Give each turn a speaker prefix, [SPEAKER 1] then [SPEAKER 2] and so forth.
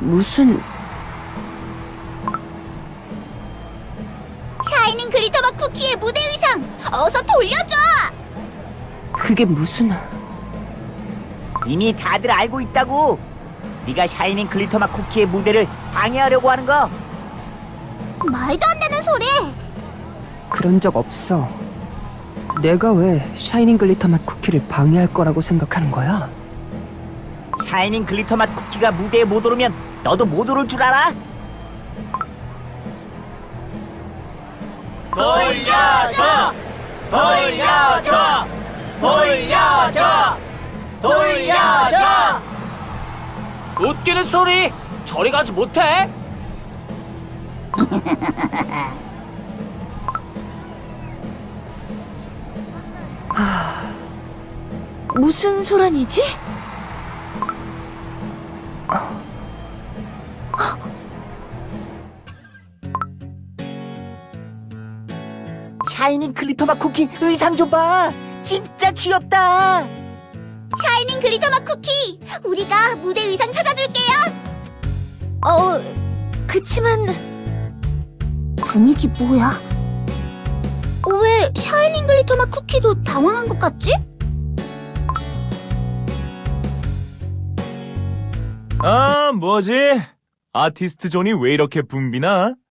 [SPEAKER 1] 무슨...
[SPEAKER 2] 샤이닝 글리터맛 쿠키의 무대 의상 어서 돌려줘!
[SPEAKER 1] 그게 무슨...
[SPEAKER 3] 이미 다들 알고 있다고. 네가 샤이닝 글리터맛 쿠키의 무대를 방해하려고 하는 거.
[SPEAKER 2] 말도 안 되는 소리!
[SPEAKER 1] 그런 적 없어. 내가 왜 샤이닝 글리터 맛 쿠키를 방해할 거라고 생각하는 거야?
[SPEAKER 3] 샤이닝 글리터맛 쿠키가 무대에 못 오르면 너도 못 오를 줄 알아?
[SPEAKER 4] 돌려줘! 돌려줘! 돌려줘! 돌려줘! 웃기는 소리! 저리 가지 못해?
[SPEAKER 2] 무슨 소란이지?
[SPEAKER 3] 샤이닝 글리터맛 쿠키 의상 좀 봐. 진짜 귀엽다.
[SPEAKER 2] 샤이닝 글리터맛 쿠키! 우리가 무대 의상 찾아줄게요! 그치만... 분위기 뭐야? 왜 샤이닝 글리터맛 쿠키도 당황한 것 같지?
[SPEAKER 5] 뭐지? 아티스트 존이 왜 이렇게 붐비나?